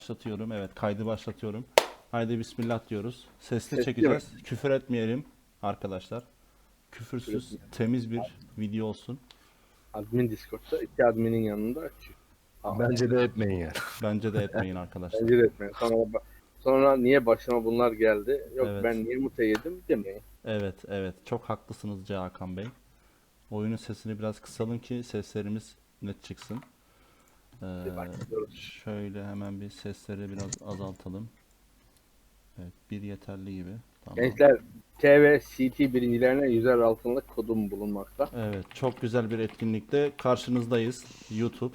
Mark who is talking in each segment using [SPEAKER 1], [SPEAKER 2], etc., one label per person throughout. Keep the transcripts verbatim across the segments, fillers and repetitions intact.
[SPEAKER 1] Başlatıyorum. Evet, kaydı başlatıyorum. Haydi bismillah diyoruz. Sesli
[SPEAKER 2] Sesli
[SPEAKER 1] çekeceğiz. Küfür etmeyelim arkadaşlar.
[SPEAKER 2] Küfür
[SPEAKER 1] Küfürsüz,
[SPEAKER 2] etmeyelim.
[SPEAKER 1] temiz bir video olsun.
[SPEAKER 2] Admin Discord'da iki adminin yanında açıyor. Aa,
[SPEAKER 3] Bence de etmeyin yani.
[SPEAKER 1] Bence de etmeyin arkadaşlar.
[SPEAKER 2] bence de etmeyin. Sonra, sonra niye başıma bunlar geldi? Yok
[SPEAKER 1] Evet.
[SPEAKER 2] ben niye mute yedim demeyin.
[SPEAKER 1] Evet, evet. Çok haklısınız C. Hakan Bey. Oyunun sesini biraz kısalım ki seslerimiz net çıksın. Ee,
[SPEAKER 2] Başlıyoruz.
[SPEAKER 1] şöyle hemen bir sesleri biraz azaltalım. Evet, bir yeterli gibi. Tamam.
[SPEAKER 2] Gençler T ve C T birincilerine yüzer altınlık kodum bulunmakta.
[SPEAKER 1] Evet, çok güzel bir etkinlikte karşınızdayız. YouTube.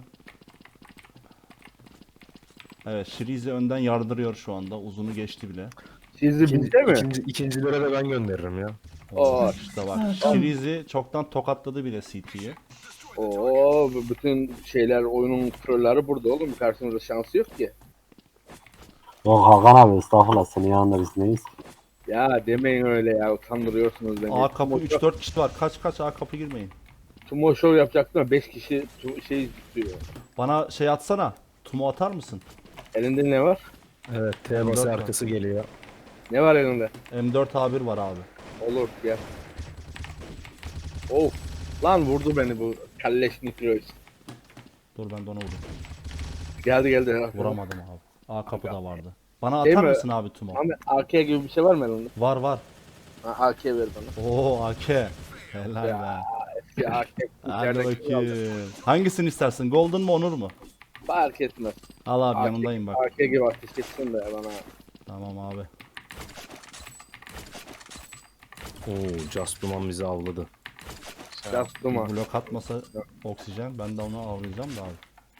[SPEAKER 1] Evet, Şirizi önden yardırıyor şu anda. Uzunu geçti bile.
[SPEAKER 2] Sizi
[SPEAKER 3] İkinci,
[SPEAKER 2] bizde mi?
[SPEAKER 3] ikinci, ikincilere de ben gönderirim ya.
[SPEAKER 2] Oo.
[SPEAKER 1] İşte bak. Şirizi çoktan tokatladı bile C T'yi.
[SPEAKER 2] Oo, bu bütün şeyler oyunun trolleri burada oğlum. Karşımızda şansı yok ki.
[SPEAKER 4] Yok Hakan abi estağfurullah senin yanında biz neyiz?
[SPEAKER 2] Ya demeyin öyle ya, utandırıyorsunuz beni.
[SPEAKER 1] A kapı
[SPEAKER 2] Tumo
[SPEAKER 1] üç dört kişi var. Kaç kaç A kapı girmeyin.
[SPEAKER 2] Tumo show yapacaktım ama beş kişi tu- şey tutuyor.
[SPEAKER 1] Bana şey atsana. Tumu atar mısın?
[SPEAKER 2] Elinde ne var?
[SPEAKER 3] Evet, T
[SPEAKER 1] Dört
[SPEAKER 3] bası
[SPEAKER 1] var.
[SPEAKER 3] arkası geliyor.
[SPEAKER 2] Ne var elinde?
[SPEAKER 1] M dört A bir var abi.
[SPEAKER 2] Olur gel. Oh. Lan vurdu beni bu kalleş Nitroid.
[SPEAKER 1] Dur ben de ona vurayım.
[SPEAKER 2] Geldi geldi.
[SPEAKER 1] Vuramadım abi. A kapı da vardı. Bana
[SPEAKER 2] Şey
[SPEAKER 1] atar
[SPEAKER 2] mi?
[SPEAKER 1] mısın abi Tumu?
[SPEAKER 2] Ahmet A K gibi bir şey var mı elinde?
[SPEAKER 1] Var var.
[SPEAKER 2] Ha, A K ver bana.
[SPEAKER 1] Oo A K. Helal be.
[SPEAKER 2] Eski A K.
[SPEAKER 1] Hadi
[SPEAKER 2] içerideki aldım.
[SPEAKER 1] bakayım. Hangisini istersin? Golden mu Onur mu?
[SPEAKER 2] Fark etmez.
[SPEAKER 1] Al abi
[SPEAKER 2] A K
[SPEAKER 1] yanındayım bak.
[SPEAKER 2] A K gibi ateş etsin de ya bana.
[SPEAKER 1] Tamam abi.
[SPEAKER 3] Oo, Just Duman bizi avladı.
[SPEAKER 2] Just Duma.
[SPEAKER 1] Blok atmasa oksijen. Ben de onu avlayacağım da abi.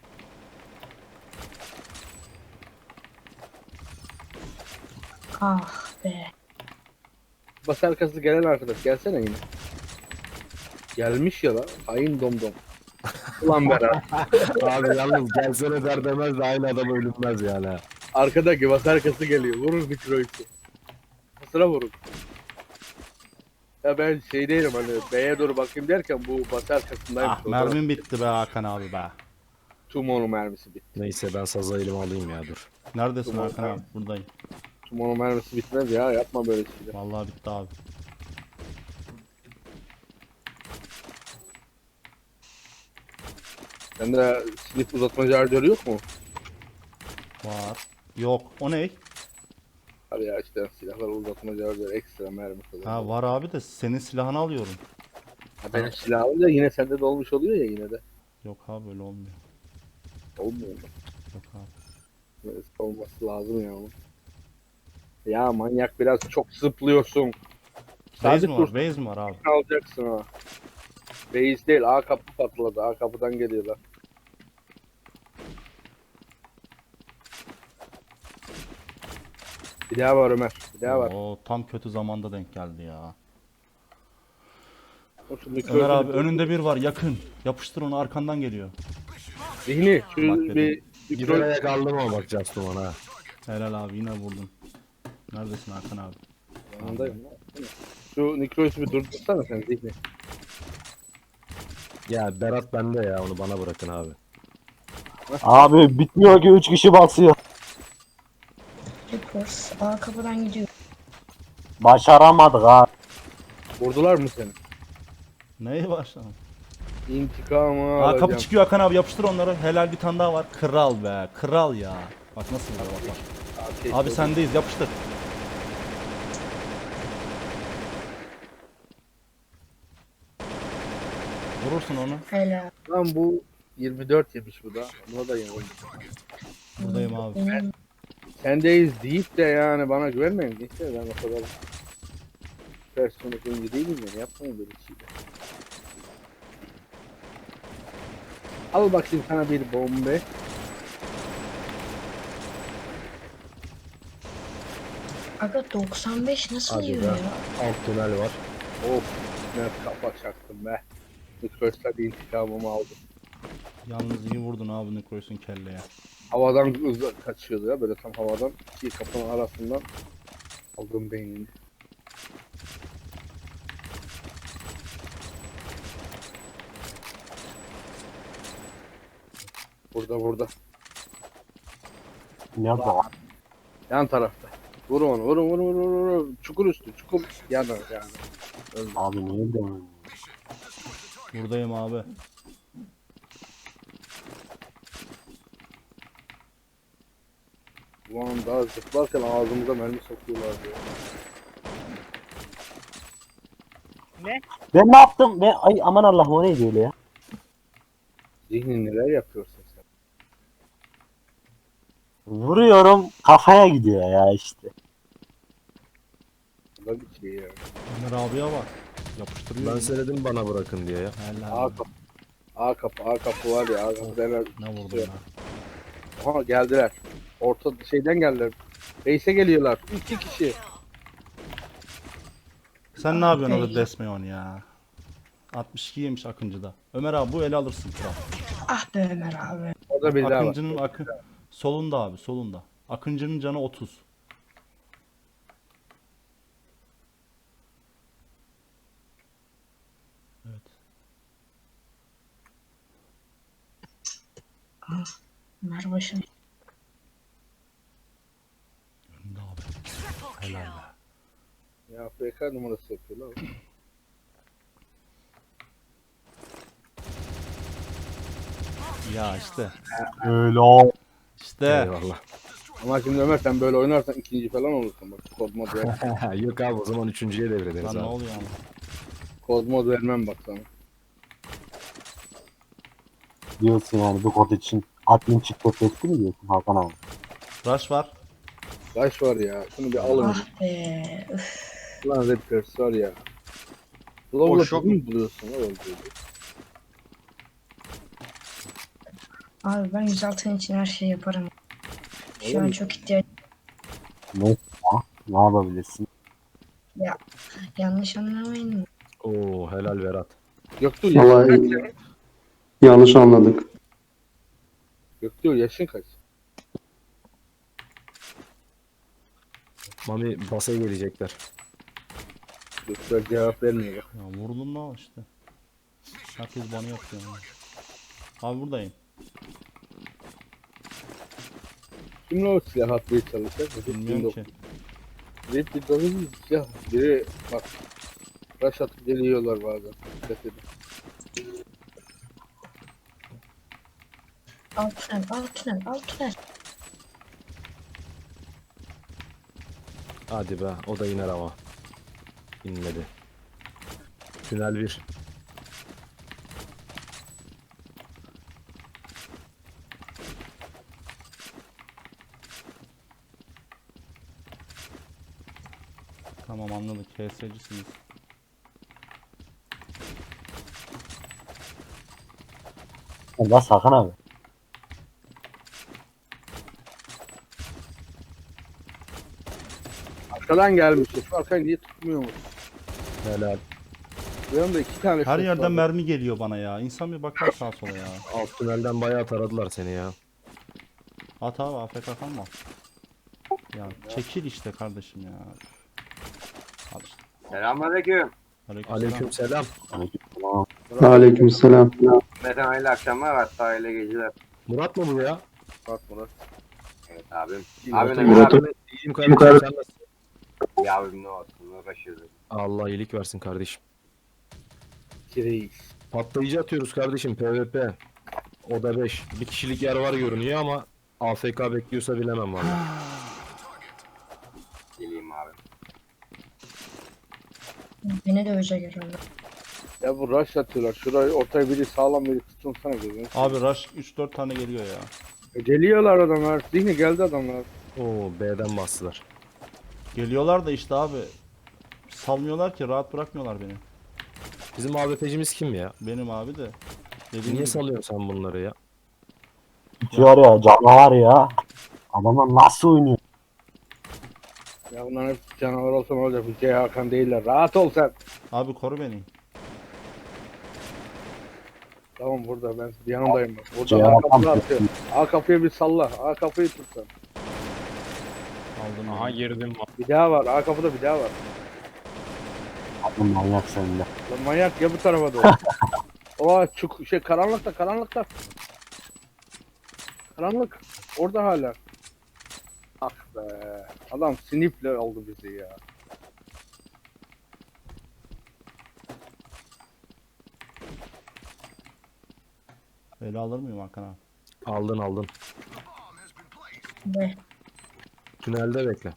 [SPEAKER 5] Ah be.
[SPEAKER 2] Bas arkası gelen arkadaş gelsene yine. Gelmiş ya lan. Hain domdom. Ulan Berat.
[SPEAKER 3] Abi yalnız gelsene der demez de aynı adam ölünmez yani. ha.
[SPEAKER 2] Arkadaki bas arkası geliyor. Vurur Nitroid'i. Sıra vurur. Ya ben şey değilim hani B'ye doğru bakayım derken bu bas arkasındaymış.
[SPEAKER 1] Ah mermim bitti be Hakan abi be.
[SPEAKER 2] Tumo'nun mermisi bitti.
[SPEAKER 3] Neyse ben sazı elime alayım ya dur.
[SPEAKER 1] Neredesin
[SPEAKER 2] Tamam,
[SPEAKER 1] Hakan abi? Buradayım.
[SPEAKER 2] Tumo'nun mermisi bitmez ya, yapma böyle şeyler.
[SPEAKER 1] Vallahi bitti abi.
[SPEAKER 2] Sende silip uzatma şarjörü yok mu?
[SPEAKER 1] Var. Yok. O ne?
[SPEAKER 2] Hadi ya işte silahlar uzatma şarjörü ekstra mermi falan.
[SPEAKER 1] Ha var abi de senin silahını alıyorum.
[SPEAKER 2] Ha, benim silahım da yine sende dolmuş oluyor ya yine de.
[SPEAKER 1] Yok abi öyle olmuyor.
[SPEAKER 2] Olmuyor mu?
[SPEAKER 1] Yok abi.
[SPEAKER 2] Böyle olması lazım ya onun. Ya manyak biraz çok zıplıyorsun.
[SPEAKER 1] Base
[SPEAKER 2] Sabit
[SPEAKER 1] mi
[SPEAKER 2] dur,
[SPEAKER 1] var? Base mi var abi?
[SPEAKER 2] alacaksın ha. Base değil, A kapı patladı. A kapıdan geliyorlar. Bir daha var Ömer. Bir daha var.
[SPEAKER 1] Oo, tam kötü zamanda denk geldi ya.
[SPEAKER 2] O şu
[SPEAKER 1] Ömer
[SPEAKER 2] mikrofonu-
[SPEAKER 1] abi önünde bir var yakın. Yapıştır onu arkandan geliyor.
[SPEAKER 2] Zihni şu
[SPEAKER 1] Bak
[SPEAKER 2] bir
[SPEAKER 1] dedim.
[SPEAKER 2] mikro...
[SPEAKER 3] Giderek aldım ama bak Just Duman ha.
[SPEAKER 1] Helal abi yine vurdun. Neredesin Hakan abi?
[SPEAKER 2] Yanındayım lan. Şu Nikrois'i bir durdursana sen Zihni.
[SPEAKER 3] Ya Berat bende ya, onu bana bırakın abi.
[SPEAKER 4] Abi bitmiyor ki üç kişi basıyor.
[SPEAKER 5] Reports A kapıdan gidiyor.
[SPEAKER 4] Başaramadık abi.
[SPEAKER 2] Vurdular mı seni?
[SPEAKER 1] Neyi başladın?
[SPEAKER 2] İntikamı
[SPEAKER 1] Aa
[SPEAKER 2] alacağım.
[SPEAKER 1] kapı çıkıyor Hakan abi yapıştır onları. Helal bir tane daha var. Kral be. Kral ya. Bak nasıl var bak. bak.
[SPEAKER 2] Abi,
[SPEAKER 1] Abi sendeyiz yapıştır. Vurursun onu.
[SPEAKER 5] Helal.
[SPEAKER 2] Lan bu yirmi dört yemiş bu da. Buna da yemiş.
[SPEAKER 1] Buradayım abi.
[SPEAKER 5] Benim
[SPEAKER 2] Sendeyiz deyip de yani bana güvenmeyin. Neyse ben o kadar personel oyuncu değilim yani, yapmayın böyle şeyler. Al bakayım sana bir bombe.
[SPEAKER 5] aga doksan beş nasıl
[SPEAKER 3] Hadi
[SPEAKER 5] yiyor
[SPEAKER 3] be.
[SPEAKER 5] ya?
[SPEAKER 3] Alt tünel var.
[SPEAKER 2] Of, ne kafa çaktım be. Mikrosta bir intikamımı aldım.
[SPEAKER 1] Yalnız iyi vurdun abi Necrois'un kelleye.
[SPEAKER 2] Havadan hızla kaçıyordu ya, böyle tam havadan iki kapının arasından aldım beynini. Burada burada.
[SPEAKER 4] Nerede o?
[SPEAKER 2] Yan tarafta. Vur onu, vur vur vur vur vur. Çukur üstü, çukur yanı yani. Öldü.
[SPEAKER 4] Abi niye dönüyorsun?
[SPEAKER 1] Buradayım abi.
[SPEAKER 2] Ulan daha zıplarken ağzımıza mermi sokuyorlar diyor.
[SPEAKER 4] Ben ne yaptım? Ben, ay aman Allah'ım o neydi öyle ya?
[SPEAKER 2] Zihni neler yapıyorsun sen?
[SPEAKER 4] Vuruyorum kafaya gidiyor ya işte.
[SPEAKER 2] Bu da bir şey ya.
[SPEAKER 1] Ömer abiye bak. Yapıştırıyor.
[SPEAKER 3] Ben söyledim bana bırakın diye ya.
[SPEAKER 1] Helal.
[SPEAKER 2] A kapı. A kapı, A kapı var ya. A kapı hemen.
[SPEAKER 1] Ne vurdun ya?
[SPEAKER 2] Aha geldiler. Orta şeyden geldiler. Reis'e geliyorlar. İki kişi.
[SPEAKER 1] Sen ne yapıyorsun
[SPEAKER 5] Ey.
[SPEAKER 1] orada Desmeon ya? altmış iki yemiş Akıncı'da. Ömer abi bu ele alırsın kral.
[SPEAKER 5] Ah be Ömer abi.
[SPEAKER 2] Orada bir daha var.
[SPEAKER 1] Akıncı'nın akı solunda abi solunda. Akıncı'nın canı otuz. Evet.
[SPEAKER 5] Ömer başım.
[SPEAKER 1] Önünde abi. Helal be.
[SPEAKER 2] Ya F K numarası yapıyorlar.
[SPEAKER 1] Ya işte.
[SPEAKER 4] Öyle o.
[SPEAKER 1] İşte.
[SPEAKER 3] Eyvallah.
[SPEAKER 2] Ama şimdi Ömer sen böyle oynarsan ikinci falan olursun. Bak kod mod ver.
[SPEAKER 3] Yok abi o zaman üçüncüye devrederiz
[SPEAKER 1] Lan ne
[SPEAKER 3] abi.
[SPEAKER 1] oluyor ama?
[SPEAKER 2] Kod mod vermem bak sana.
[SPEAKER 4] Diyorsun yani bu kod için admin çıktı etti mi diyorsun Hakan abi?
[SPEAKER 1] Rush var.
[SPEAKER 2] Kaç var ya. Şunu bir alın.
[SPEAKER 5] Ah be. Üf.
[SPEAKER 2] Lan Raptors var ya. Global'ı mı buluyorsun? Ne oldu?
[SPEAKER 5] Abi ben yüz altın için her şeyi yaparım.
[SPEAKER 2] Öyle
[SPEAKER 5] Şu an
[SPEAKER 2] mi?
[SPEAKER 5] çok ihtiyaç.
[SPEAKER 4] Ne? Ya, ne yapabilirsin?
[SPEAKER 5] Yanlış anlamayın.
[SPEAKER 3] Oo helal Berat.
[SPEAKER 2] Göktuğ yaşın kaç?
[SPEAKER 6] Vallahi yanlış anladık.
[SPEAKER 2] Göktuğ yaşın kaç?
[SPEAKER 3] Mami basaya gelecekler.
[SPEAKER 2] Göktuğ cevap vermiyor bak.
[SPEAKER 1] Ya vurdum lan işte. Herkes bana yapıyor. ya. Abi buradayım.
[SPEAKER 2] Kimle o silah atmaya çalışacak?
[SPEAKER 1] Bilmiyorum ki.
[SPEAKER 2] Rap bir dolu bir silah. Biri bak. Rush atıp geliyorlar bazen. Dikkat edin.
[SPEAKER 5] Alt tünel, alt tünel, alt tünel.
[SPEAKER 3] Hadi be o da iner ama. İnmedi. Tünel bir.
[SPEAKER 1] Tamam anladık. K S'cisiniz.
[SPEAKER 4] Bas Hakan abi.
[SPEAKER 2] Arkadan gelmiş. Şu arkayı niye tutmuyor mu?
[SPEAKER 3] Helal.
[SPEAKER 2] Yanımda iki tane
[SPEAKER 1] Her
[SPEAKER 2] şut
[SPEAKER 1] yerden
[SPEAKER 2] var.
[SPEAKER 1] mermi geliyor bana ya. İnsan bir bakar sağa sola ya.
[SPEAKER 3] Alt tünelden bayağı taradılar seni ya.
[SPEAKER 1] At abi A F K kalma. Ya çekil işte kardeşim ya. Al işte.
[SPEAKER 7] Selamünaleyküm.
[SPEAKER 1] Aleykümselam.
[SPEAKER 3] Aleyküm selam.
[SPEAKER 4] Tamam.
[SPEAKER 6] Aleykümselam.
[SPEAKER 7] Mete hayırlı akşamlar, hatta hayırlı geceler.
[SPEAKER 3] Murat mı bu ya?
[SPEAKER 2] Bak Murat.
[SPEAKER 7] Evet abim.
[SPEAKER 2] İyi,
[SPEAKER 7] Abi
[SPEAKER 2] Murat'ı
[SPEAKER 7] ne
[SPEAKER 6] Murat'ı-
[SPEAKER 7] kadar
[SPEAKER 3] İyiyim kardeşim sen nasılsın?
[SPEAKER 7] ya abim ne olsun, uğraşıyoruz.
[SPEAKER 3] Allah iyilik versin kardeşim.
[SPEAKER 2] Kireyiz.
[SPEAKER 3] Patlayıcı atıyoruz kardeşim PvP. Oda beş. Bir kişilik yer var görünüyor ama A F K bekliyorsa bilemem valla.
[SPEAKER 7] Geleyim abi.
[SPEAKER 5] Beni de öyle görüyorlar.
[SPEAKER 2] Ya bu rush atıyorlar. Şurayı ortaya biri sağlam biri tutun sana gözünü.
[SPEAKER 1] Abi rush üç dört tane geliyor ya.
[SPEAKER 2] E, Geliyorlar adamlar. Zihni geldi adamlar.
[SPEAKER 3] Oo B'den bastılar.
[SPEAKER 1] Geliyorlar da işte abi. Salmıyorlar ki, rahat bırakmıyorlar beni.
[SPEAKER 3] Bizim A W P'cimiz kim ya?
[SPEAKER 1] Benim abi de. Dediğim
[SPEAKER 3] Niye
[SPEAKER 1] gibi.
[SPEAKER 3] salıyorsun sen bunları ya?
[SPEAKER 4] Bitiyor ya canavar ya. Adamlar nasıl oynuyor?
[SPEAKER 2] Ya bunların hepsi canavar olsa ne olacak? Bu C Hakan değiller. Rahat ol sen.
[SPEAKER 1] Abi koru beni.
[SPEAKER 2] Tamam burada ben yanındayım bak. Burada
[SPEAKER 4] C
[SPEAKER 2] A
[SPEAKER 4] Hakan
[SPEAKER 2] kapıyı atıyor. A kapıyı bir salla. A kapıyı tut sen.
[SPEAKER 1] Aldım.
[SPEAKER 3] Aha
[SPEAKER 1] beni.
[SPEAKER 3] girdim.
[SPEAKER 2] Bir daha var. A kapıda bir daha var.
[SPEAKER 4] Adam manyak sende.
[SPEAKER 2] Lan manyak ya bu tarafa doğru. Oha çuk şey karanlıkta karanlıkta. Karanlık. Orada hala. Ah be. Adam sniple aldı bizi ya.
[SPEAKER 1] Ele alır mıyım Hakan abi?
[SPEAKER 3] Aldın aldın.
[SPEAKER 5] Be.
[SPEAKER 3] Tünelde bekle.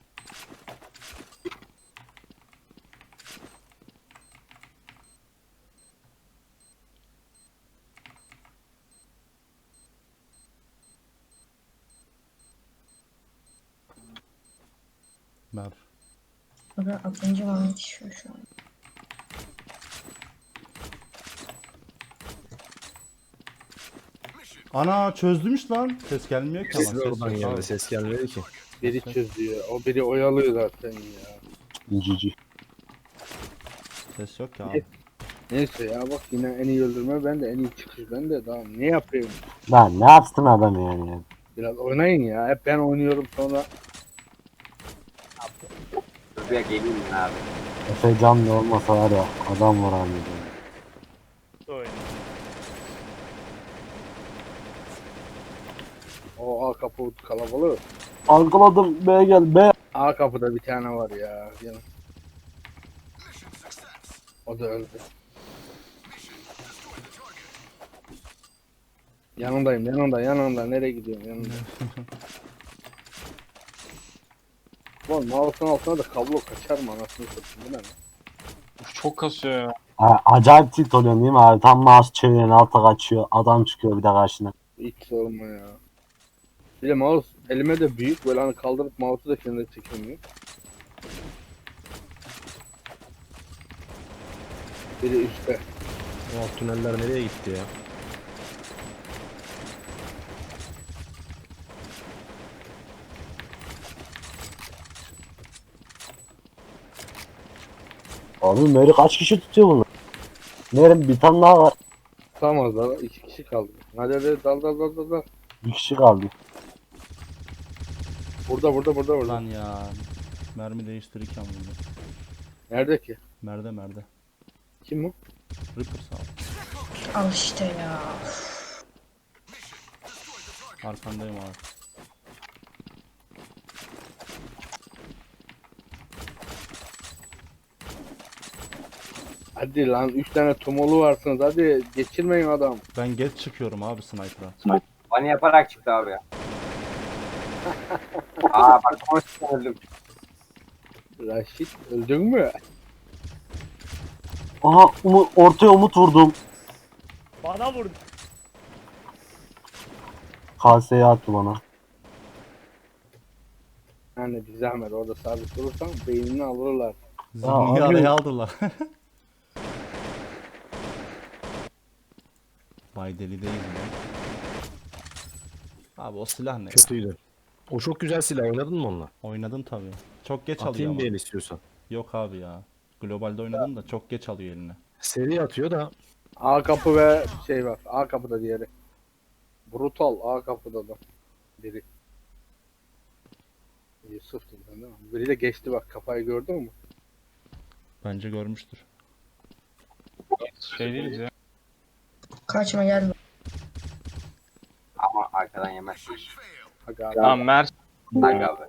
[SPEAKER 1] Ver.
[SPEAKER 5] Burada atınca bana yetişiyor şu an.
[SPEAKER 1] Ana çözdümüş lan. Ses gelmiyor ki ama.
[SPEAKER 3] Ses de
[SPEAKER 1] Ses
[SPEAKER 3] oradan
[SPEAKER 1] yok
[SPEAKER 3] geldi.
[SPEAKER 1] abi.
[SPEAKER 3] Ses gelmedi ki.
[SPEAKER 2] Biri çözüyor. O biri oyalıyor zaten ya.
[SPEAKER 4] Cici.
[SPEAKER 1] Ses yok ki abi.
[SPEAKER 2] Neyse ya bak yine en iyi öldürme ben de en iyi çıkış ben de tamam ne yapayım?
[SPEAKER 4] Lan ne yapsın adam yani ya?
[SPEAKER 2] Biraz oynayın ya. Hep ben oynuyorum sonra.
[SPEAKER 7] Buraya geleyim mi abi?
[SPEAKER 4] Efe canlı olmasa var ya adam var abi.
[SPEAKER 2] O A kapı kalabalık.
[SPEAKER 4] Algıladım B gel B.
[SPEAKER 2] A kapıda bir tane var ya. Yine. O da öldü. Yanındayım, yanında, yanında. Nereye gidiyorsun? Yanında. Oğlum mouse'un altına da kablo kaçar mı anasını satayım bu ne lan?
[SPEAKER 8] Uf, çok kasıyor ya.
[SPEAKER 4] Ha, acayip tilt oluyorsun değil mi abi? Tam mouse çeviriyorsun alta kaçıyor. Adam çıkıyor bir de karşına.
[SPEAKER 2] Hiç sorma ya. Bir de mouse elime de büyük böyle hani kaldırıp mouse'u da kendine çekemiyor. Biri üstte.
[SPEAKER 3] O alt tüneller nereye gitti ya?
[SPEAKER 4] Abi Mary kaç kişi tutuyor bunu? Meryem bir tane daha var.
[SPEAKER 2] Tutamazlar. İki kişi kaldı. Hadi hadi dal dal dal dal dal.
[SPEAKER 4] Bir kişi kaldı.
[SPEAKER 2] Burada burada burada burada.
[SPEAKER 1] Lan ya. Mermi değiştirirken vurdu.
[SPEAKER 2] Nerede ki?
[SPEAKER 1] Merde merde.
[SPEAKER 2] Kim o?
[SPEAKER 1] Reaper sağ ol.
[SPEAKER 5] Al işte ya.
[SPEAKER 1] Arkandayım abi.
[SPEAKER 2] Hadi lan üç tane tumolu varsınız hadi geçirmeyin adam.
[SPEAKER 1] Ben geç çıkıyorum abi sniper'a.
[SPEAKER 7] Bani yaparak çıktı abi ya. Aa bak konuştum öldüm.
[SPEAKER 2] Raşit öldün mü?
[SPEAKER 4] Aha Umut, ortaya Umut vurdum.
[SPEAKER 9] Bana vurdu.
[SPEAKER 4] Kaseyi attı bana.
[SPEAKER 2] Yani bir zahmet orada sabit durursan beynini alırlar.
[SPEAKER 1] Zihnini
[SPEAKER 4] abi-
[SPEAKER 1] araya aldılar. Vay deli değil mi? Abi o silah ne?
[SPEAKER 3] Kötüydü. O çok güzel silah. Oynadın mı onunla?
[SPEAKER 1] Oynadım tabii. Çok geç alıyor
[SPEAKER 3] Atayım
[SPEAKER 1] ama.
[SPEAKER 3] bir el istiyorsan.
[SPEAKER 1] Yok abi ya. Globalde oynadım da çok geç alıyor eline.
[SPEAKER 3] Seri atıyor da
[SPEAKER 2] A kapı ve şey var. A kapıda diğeri. Brutal A kapıda da biri. Yusuf değil mi? Biri de geçti bak kafayı gördün mü?
[SPEAKER 1] Bence görmüştür.
[SPEAKER 8] Şey değiliz ya.
[SPEAKER 5] Kaçma gel.
[SPEAKER 7] Ama arkadan yemezsin.
[SPEAKER 2] Aga,
[SPEAKER 8] Tamam Mert.
[SPEAKER 7] Aga abi.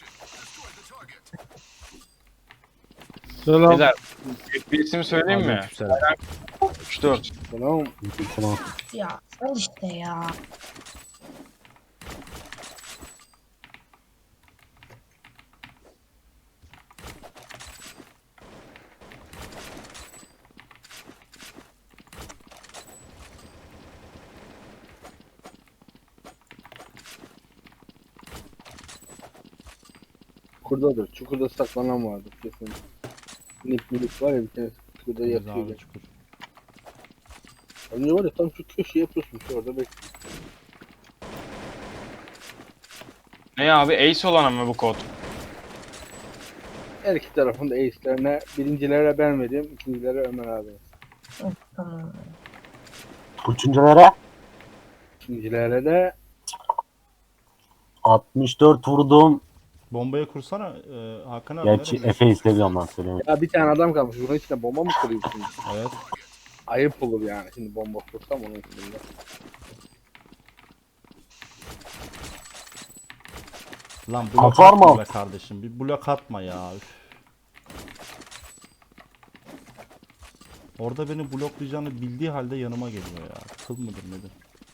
[SPEAKER 2] Selam.
[SPEAKER 8] Beyler. Bir isim söyleyeyim mi?
[SPEAKER 3] Aleykümselam.
[SPEAKER 8] üç dört.
[SPEAKER 2] Selam.
[SPEAKER 4] Tamam.
[SPEAKER 5] Ya al işte ya.
[SPEAKER 2] Çukurdadır. Çukurda saklanan vardır kesin. Minik minik var ya bir tane çukurda
[SPEAKER 1] Temiz
[SPEAKER 2] yatıyor.
[SPEAKER 1] abi
[SPEAKER 2] ya.
[SPEAKER 1] çukur.
[SPEAKER 2] Önce var ya tam şu köşeye yapıyorsun şu orada bekliyor.
[SPEAKER 8] Ne abi? Ace olan mı bu kod?
[SPEAKER 2] Her iki tarafın da ace'lerine birincilere ben vereyim, ikincilere Ömer abi.
[SPEAKER 5] Tamam.
[SPEAKER 4] Üçüncülere
[SPEAKER 2] İkincilere de
[SPEAKER 4] altmış dört vurdum.
[SPEAKER 1] Bombayı kursana e, Hakan abi.
[SPEAKER 4] Gerçi
[SPEAKER 1] nereye?
[SPEAKER 4] Efe istemiyorum lan söyleyeyim.
[SPEAKER 2] ya bir tane adam kalmış. Bunun içine bomba mı kuruyorsun?
[SPEAKER 1] Evet.
[SPEAKER 2] Ayıp olur yani şimdi bomba kursam onun içinde.
[SPEAKER 1] Lan blok
[SPEAKER 4] Atar mı?
[SPEAKER 1] atma be kardeşim. Bir blok atma ya. Üf. Orada beni bloklayacağını bildiği halde yanıma geliyor ya. Kıl mıdır nedir?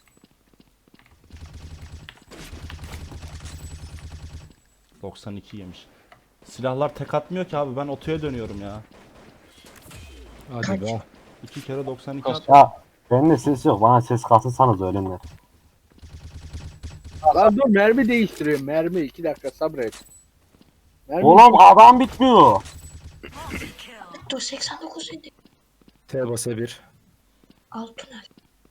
[SPEAKER 1] doksan iki yemiş. Silahlar tek atmıyor ki abi. Ben otoya dönüyorum ya.
[SPEAKER 3] Hadi
[SPEAKER 5] Kaç?
[SPEAKER 3] be.
[SPEAKER 1] İki kere doksan iki at.
[SPEAKER 4] Ya bende ses yok. Bana ses katılsanız öğlenler.
[SPEAKER 2] Lan dur mermi değiştiriyorum. Mermi iki dakika sabret. Mermi
[SPEAKER 4] Oğlum adam bitmiyor.
[SPEAKER 5] Dur seksen dokuz idi.
[SPEAKER 3] T basa bir.
[SPEAKER 5] Alt tünel.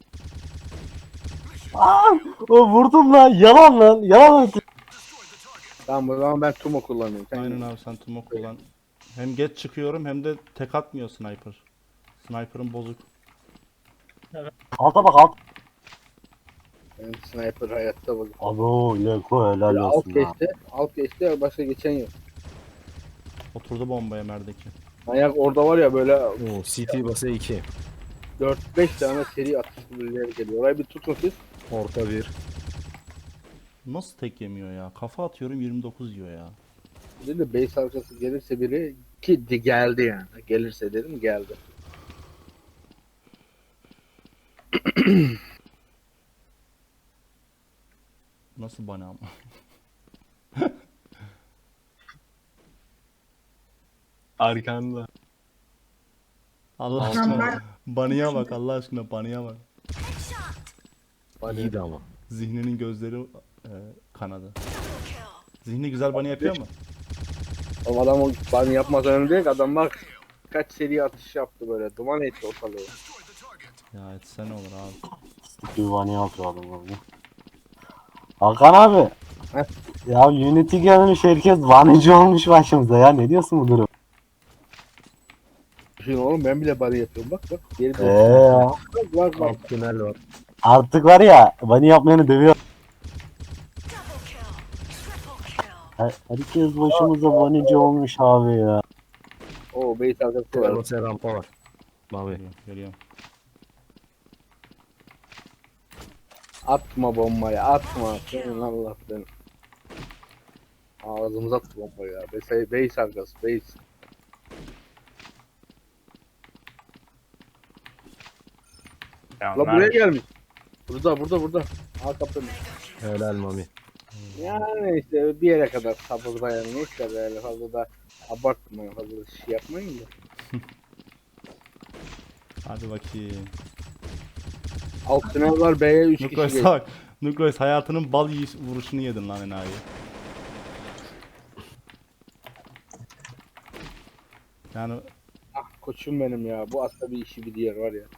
[SPEAKER 4] Aa, o vurdum lan. Yalan lan. Yalan.
[SPEAKER 2] Tamam o zaman ben Tumo kullanıyorum. Sen
[SPEAKER 1] Aynen abi sen Tumo kullan. Hem geç çıkıyorum hem de tek atmıyor sniper. Sniper'ın bozuk.
[SPEAKER 4] Alta bak alt.
[SPEAKER 2] Benim sniper hayatta bak.
[SPEAKER 4] Abo Leko helal
[SPEAKER 2] Alt
[SPEAKER 4] olsun ya.
[SPEAKER 2] geçti. Alt geçti başka geçen yok.
[SPEAKER 1] Oturdu bombaya merdeki.
[SPEAKER 2] Manyak orada var ya böyle
[SPEAKER 3] Oo, C T basa iki.
[SPEAKER 2] dört beş tane seri atışlı birileri geliyor. Orayı bir tutun siz.
[SPEAKER 3] Orta bir.
[SPEAKER 1] Nasıl tek yemiyor ya? Kafa atıyorum yirmi dokuz yiyor ya.
[SPEAKER 2] Bir de base arkası gelirse biri ki de geldi yani. Gelirse dedim geldi.
[SPEAKER 1] Nasıl bana ama?
[SPEAKER 8] Arkanda.
[SPEAKER 1] Allah
[SPEAKER 5] Lan
[SPEAKER 1] aşkına.
[SPEAKER 5] ben
[SPEAKER 1] Banıya bak Allah aşkına banıya bak.
[SPEAKER 3] İyiydi ama.
[SPEAKER 1] Zihninin gözleri e, kanadı. Zihni güzel banı yapıyor mu?
[SPEAKER 2] O adam o bana yapmadan önce adam bak kaç seri atış yaptı böyle. Duman etti ortalığı.
[SPEAKER 1] Ya etse ne olur abi.
[SPEAKER 4] Güvani yapıyor adam orada. Hakan abi.
[SPEAKER 2] Heh.
[SPEAKER 4] Ya Unity gelmiş herkes vanıcı olmuş başımıza ya. Ne diyorsun bu durum?
[SPEAKER 2] Şimdi oğlum ben bile bana yapıyorum bak bak. Geri
[SPEAKER 4] Eee ya.
[SPEAKER 2] bak bak bak.
[SPEAKER 3] Alt tünel var.
[SPEAKER 4] Artık var ya bani yapmayanı dövüyor. Her- Herkes başımıza vanıcı olmuş abi ya.
[SPEAKER 2] O base arkası
[SPEAKER 3] T
[SPEAKER 2] var.
[SPEAKER 3] basa rampa var. Mavi.
[SPEAKER 1] Geliyorum, geliyorum.
[SPEAKER 2] Atma bombayı atma. Senin Allah seni. Ağzımıza attı bombayı ya. Base, base arkası base.
[SPEAKER 8] Ya
[SPEAKER 2] La buraya
[SPEAKER 8] Mert,
[SPEAKER 2] gelmiş. Burada burada burada. Al kapını.
[SPEAKER 3] Helal Mami.
[SPEAKER 2] Yani işte bir yere kadar sabır dayanın. Neyse böyle fazla da abartmayın. Fazla da şey yapmayın da.
[SPEAKER 1] Hadi bakayım.
[SPEAKER 2] Alt tünel var B'ye üç kişi
[SPEAKER 1] Nukleus
[SPEAKER 2] geliyor.
[SPEAKER 1] bak. Nukleus hayatının bal yiyiş vuruşunu yedin lan enayi. Yani
[SPEAKER 2] Ah koçum benim ya. Bu aslında bir işi bir diğer var ya.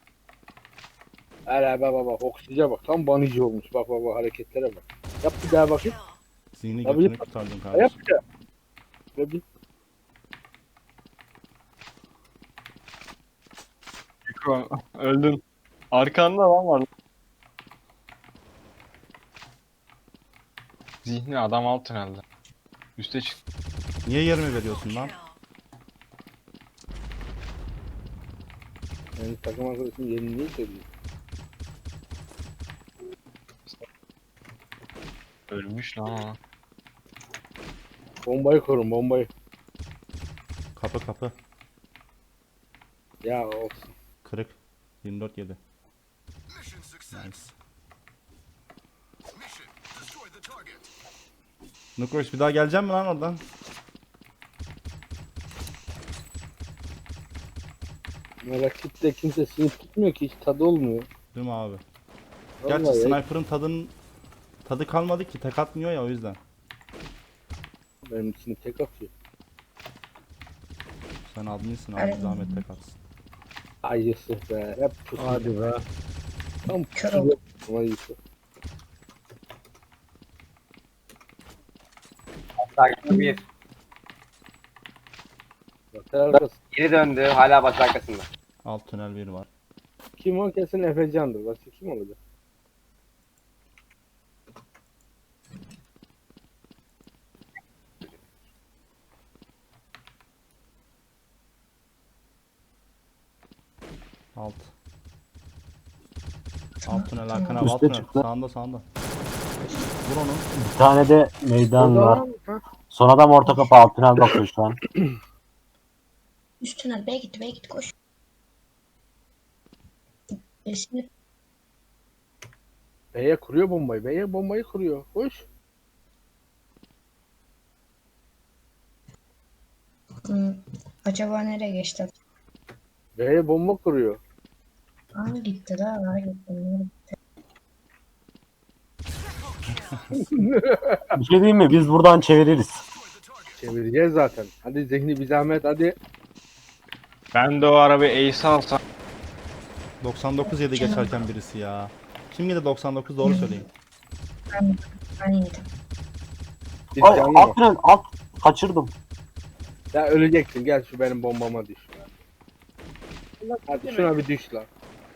[SPEAKER 2] Hele baba baba oksijen bak. Tam banici olmuş. Bak baba hareketlere bak. Yap bir daha bakayım.
[SPEAKER 1] zihni
[SPEAKER 2] Abi,
[SPEAKER 1] götünü kurtardın
[SPEAKER 2] Yap
[SPEAKER 1] kardeşim.
[SPEAKER 2] bir daha. Ve bir
[SPEAKER 8] Yuko, öldün. Arkanda lan var. Zihni adam alt tünelde. Üste çık.
[SPEAKER 1] Niye yerime veriyorsun lan?
[SPEAKER 2] yani takım arkadaşım yerini niye söylüyor?
[SPEAKER 8] Ölmüş lan o.
[SPEAKER 2] Bombayı korun bombayı.
[SPEAKER 1] Kapı kapı.
[SPEAKER 2] Ya olsun.
[SPEAKER 1] Kırık. yirmi dört yedi. Nice. Nukleus bir daha gelecek mi lan oradan?
[SPEAKER 2] Rakipte kimse sinip tutmuyor ki hiç tadı olmuyor.
[SPEAKER 1] Değil mi abi?
[SPEAKER 2] Vallahi
[SPEAKER 1] Gerçi
[SPEAKER 2] ya.
[SPEAKER 1] sniper'ın tadının tadı kalmadı ki tek atmıyor ya o yüzden.
[SPEAKER 2] Benim için tek atıyor.
[SPEAKER 1] Sen adminsin abi
[SPEAKER 5] Evet.
[SPEAKER 1] zahmet tek atsın.
[SPEAKER 2] Ayısı be. Hep pusu.
[SPEAKER 3] Hadi be.
[SPEAKER 2] Tam
[SPEAKER 5] Kör
[SPEAKER 2] pusu.
[SPEAKER 5] oldu.
[SPEAKER 2] Ayısı.
[SPEAKER 7] Takip bir.
[SPEAKER 2] Bak arkası.
[SPEAKER 7] Geri döndü. Hala bas arkasında.
[SPEAKER 1] Alt tünel bir var.
[SPEAKER 2] Kim o kesin Efecan'dır. Başka kim olacak?
[SPEAKER 1] Alt. Alt tünel arkana alt
[SPEAKER 4] Üste
[SPEAKER 1] tünel.
[SPEAKER 4] çıktı.
[SPEAKER 1] Sağında sağında. Vur onu.
[SPEAKER 4] Bir tane de meydan
[SPEAKER 2] Orada
[SPEAKER 4] var.
[SPEAKER 2] lan. Ha?
[SPEAKER 4] Son adam orta kapı alt tünel bakıyor şu an.
[SPEAKER 5] Üst tünel. B'ye gitti. B'ye gitti. Koş. Esini
[SPEAKER 2] B'ye kuruyor bombayı. B'ye bombayı kuruyor. Koş.
[SPEAKER 5] Hmm, acaba nereye geçti?
[SPEAKER 2] B'ye bomba kuruyor.
[SPEAKER 5] Aa gitti daha. Aa gitti.
[SPEAKER 4] Bir şey diyeyim mi? Biz buradan çeviririz.
[SPEAKER 2] Çevireceğiz zaten. Hadi Zihni bir zahmet hadi.
[SPEAKER 8] Ben de o arabayı Ace alsam.
[SPEAKER 1] doksan dokuz yedi geçerken birisi ya. Kim yedi doksan dokuz doğru söyleyin.
[SPEAKER 5] Ben, ben yedim.
[SPEAKER 2] Biz
[SPEAKER 4] Ay
[SPEAKER 2] canlı
[SPEAKER 4] alt
[SPEAKER 2] mı?
[SPEAKER 4] tünel alt. Kaçırdım.
[SPEAKER 2] Ya öleceksin. Gel şu benim bombama düş. Hadi şuna bir düş lan.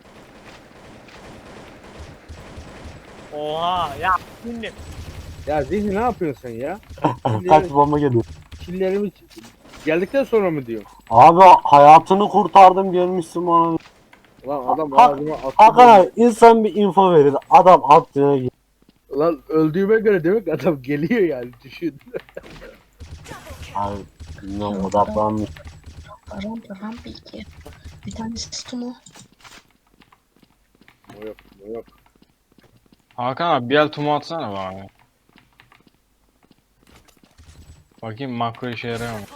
[SPEAKER 9] Oha ya şimdi.
[SPEAKER 2] Ya Zihni ne yapıyorsun sen ya?
[SPEAKER 4] Kaç bomba geliyor.
[SPEAKER 2] Killerimi geldikten sonra mı diyor?
[SPEAKER 4] Abi hayatını kurtardım gelmişsin bana.
[SPEAKER 2] Lan adam
[SPEAKER 4] Ha-
[SPEAKER 2] ağzıma attı.
[SPEAKER 4] Hakan abi insan bir info verir. Adam alt tünele gidiyor.
[SPEAKER 2] Lan öldüğüme göre demek adam geliyor yani düşün.
[SPEAKER 4] Abi bilmiyorum odaklanmış.
[SPEAKER 5] Rampa rampa iki. Bir tanesi Stumo.
[SPEAKER 2] O yok, o yok.
[SPEAKER 8] Hakan abi bir el tumu atsana bana. ya. Bakayım makro işe yarıyor mu?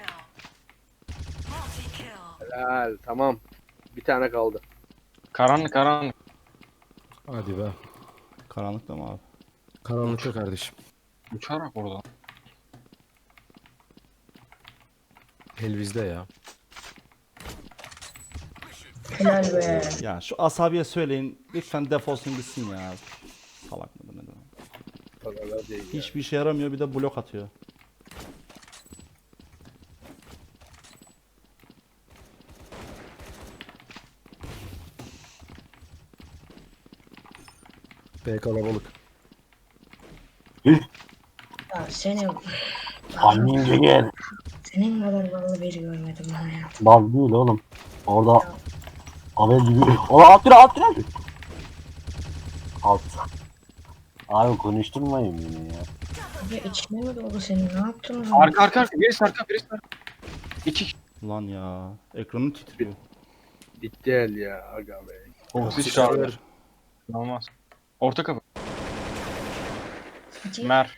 [SPEAKER 2] Helal tamam. Bir tane kaldı.
[SPEAKER 8] Karanlık karanlık.
[SPEAKER 3] Hadi be.
[SPEAKER 1] Karanlıkta mı abi?
[SPEAKER 3] Karanlıkta kardeşim.
[SPEAKER 8] Uçarak oradan.
[SPEAKER 3] El bizde ya.
[SPEAKER 5] Helal be.
[SPEAKER 1] Ya şu asabiye söyleyin. Lütfen defolsun gitsin ya. Salak mıdır ne demek?
[SPEAKER 2] Kadar değil ya.
[SPEAKER 1] Hiçbir işe yaramıyor bir de blok atıyor.
[SPEAKER 3] B kalabalık.
[SPEAKER 4] Üh,
[SPEAKER 5] Ya senin
[SPEAKER 4] Annince gel.
[SPEAKER 5] senin kadar ballı biri görmedim ben ya.
[SPEAKER 4] Bal değil oğlum. Orada haber gibi. Ola alt tünel alt tünel. Alt. Abi konuşturmayın beni ya.
[SPEAKER 5] Abi içine mi doldu senin? Ne yaptın o zaman?
[SPEAKER 8] Arka arka arka. Birisi arka birisi arka. İki.
[SPEAKER 1] Ulan ya. Ekranım titriyor.
[SPEAKER 2] Bitti el ya aga be.
[SPEAKER 8] Oksijen çağırdı. Olmaz. Orta kapı.
[SPEAKER 5] İki.
[SPEAKER 8] Mer.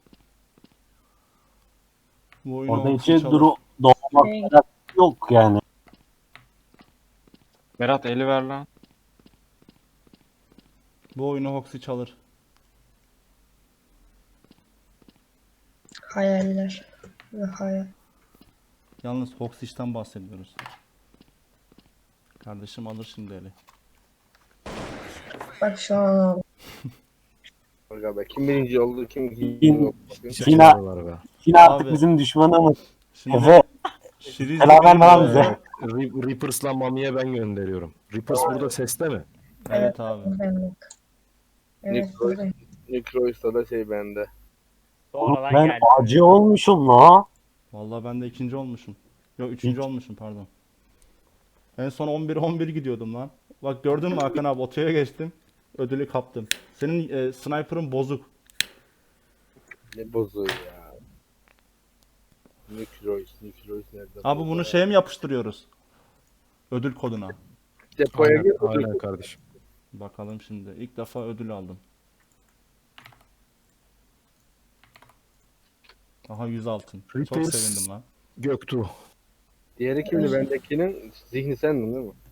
[SPEAKER 1] Bu oyunu
[SPEAKER 4] Orada
[SPEAKER 1] Oxy
[SPEAKER 4] içi
[SPEAKER 1] çalar.
[SPEAKER 4] duru doğmak
[SPEAKER 5] Şey-
[SPEAKER 4] kadar yok yani.
[SPEAKER 8] Berat eli ver lan.
[SPEAKER 1] Bu oyunu Hoxie çalır.
[SPEAKER 5] Hayaller. Ve hayal.
[SPEAKER 1] Yalnız Hoxie'den bahsediyoruz. Kardeşim alır şimdi eli.
[SPEAKER 5] Bak şu an
[SPEAKER 2] Aga be. Kim birinci oldu kim ikinci
[SPEAKER 4] Kim-
[SPEAKER 2] oldu. Bakayım.
[SPEAKER 4] Yine,
[SPEAKER 3] var be.
[SPEAKER 4] yine artık
[SPEAKER 1] Abi.
[SPEAKER 4] bizim düşmanımız.
[SPEAKER 1] Şimdi
[SPEAKER 4] Efe
[SPEAKER 1] Şiriz
[SPEAKER 4] selam verme lan
[SPEAKER 1] Ee,
[SPEAKER 4] bize.
[SPEAKER 3] Rip- Reapers'la Mami'ye ben gönderiyorum. Reapers burada seste mi?
[SPEAKER 1] Evet abi.
[SPEAKER 5] buradayım bak. Evet
[SPEAKER 2] Nick-
[SPEAKER 5] buradayım.
[SPEAKER 2] Necrois'ta da şey bende.
[SPEAKER 9] Sonradan
[SPEAKER 4] Ben
[SPEAKER 9] geldi.
[SPEAKER 4] acı olmuşum la.
[SPEAKER 1] Vallahi ben de ikinci olmuşum. Yok üçüncü olmuşum pardon. En son on bir on bir gidiyordum lan. Bak gördün mü Hakan abi otoya geçtim. Ödülü kaptım. Senin e, sniper'ın bozuk.
[SPEAKER 2] Ne bozuğu ya. Necrois, Necrois nerede?
[SPEAKER 1] Abi bunu şeye mi yapıştırıyoruz? Ödül koduna.
[SPEAKER 2] Depoya
[SPEAKER 3] Aynen,
[SPEAKER 2] gir.
[SPEAKER 3] aynen kardeşim.
[SPEAKER 1] Bakalım şimdi. İlk defa ödül aldım. Aha yüz altın. Çok
[SPEAKER 3] Reapers.
[SPEAKER 1] sevindim lan.
[SPEAKER 3] Göktuğ.
[SPEAKER 2] Diğeri kimdi bendekinin? Zihni sendin değil mi?